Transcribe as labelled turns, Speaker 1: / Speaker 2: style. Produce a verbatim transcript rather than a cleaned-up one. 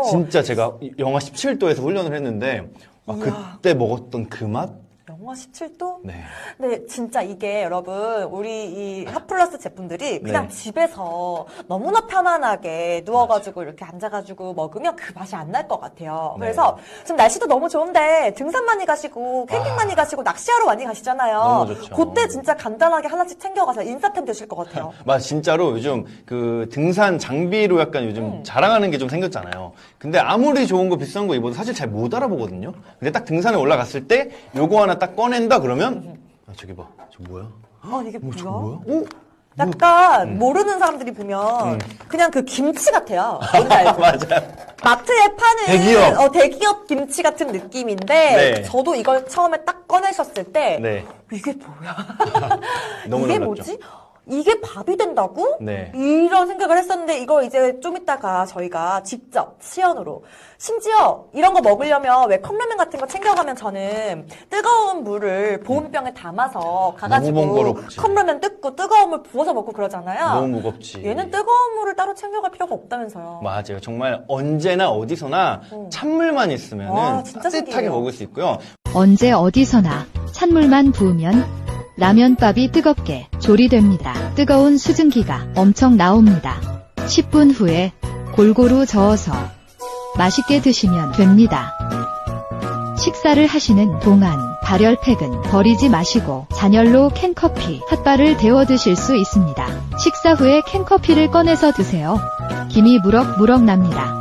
Speaker 1: 진짜 제가 영하 십칠 도에서 훈련을 했는데 아, 그때 먹었던 그 맛?
Speaker 2: 영하 십칠 도?
Speaker 1: 네.
Speaker 2: 근데 진짜 이게 여러분 우리 이 핫플러스 제품들이 그냥
Speaker 1: 네.
Speaker 2: 집에서 너무나 편안하게 누워가지고 이렇게 앉아가지고 먹으면 그 맛이 안 날 것 같아요.
Speaker 1: 네.
Speaker 2: 그래서 지금 날씨도 너무 좋은데 등산 많이 가시고 캠핑
Speaker 1: 아.
Speaker 2: 많이 가시고 낚시하러 많이 가시잖아요.
Speaker 1: 너무 좋죠.
Speaker 2: 그때 진짜 간단하게 하나씩 챙겨가서 인싸템 되실 것 같아요.
Speaker 1: 맞아, 진짜로 요즘 그 등산 장비로 약간 요즘
Speaker 2: 음.
Speaker 1: 자랑하는 게 좀 생겼잖아요. 근데 아무리 좋은 거 비싼 거 입어도 사실 잘 못 알아보거든요. 근데 딱 등산에 올라갔을 때 요거 하나 딱 꺼낸다 그러면 아, 저기 봐. 저 뭐야?
Speaker 2: 어, 이게
Speaker 1: 어,
Speaker 2: 뭐야?
Speaker 1: 저 뭐야? 오?
Speaker 2: 약간 모르는 사람들이 보면
Speaker 1: 음.
Speaker 2: 그냥 그 김치 같아요. 뭔지 알죠?
Speaker 1: 맞아요.
Speaker 2: 마트에 파는
Speaker 1: 대기업.
Speaker 2: 어, 대기업 김치 같은 느낌인데
Speaker 1: 네.
Speaker 2: 저도 이걸 처음에 딱 꺼내셨을 때
Speaker 1: 네.
Speaker 2: 이게 뭐야?
Speaker 1: 너무
Speaker 2: 이게
Speaker 1: 놀랐죠.
Speaker 2: 뭐지? 이게 밥이 된다고?
Speaker 1: 네.
Speaker 2: 이런 생각을 했었는데 이거 이제 좀 이따가 저희가 직접 시연으로 심지어 이런 거 먹으려면 왜 컵라면 같은 거 챙겨가면 저는 뜨거운 물을 보온병에 담아서 가가지고
Speaker 1: 너무 번거롭지.
Speaker 2: 컵라면 뜯고 뜨거운 물 부어서 먹고 그러잖아요.
Speaker 1: 너무 무겁지.
Speaker 2: 얘는 뜨거운 물을 따로 챙겨갈 필요가 없다면서요.
Speaker 1: 맞아요. 정말 언제나 어디서나
Speaker 2: 음.
Speaker 1: 찬물만
Speaker 2: 와,
Speaker 1: 있으면
Speaker 2: 진짜
Speaker 1: 따뜻하게
Speaker 2: 신기해요.
Speaker 1: 먹을 수 있고요.
Speaker 3: 언제 어디서나 찬물만 부으면 라면밥이 뜨겁게 조리됩니다. 뜨거운 수증기가 엄청 나옵니다. 십 분 후에 골고루 저어서 맛있게 드시면 됩니다. 식사를 하시는 동안 발열팩은 버리지 마시고 잔열로 캔커피, 핫바를 데워 드실 수 있습니다. 식사 후에 캔커피를 꺼내서 드세요. 김이 무럭무럭 납니다.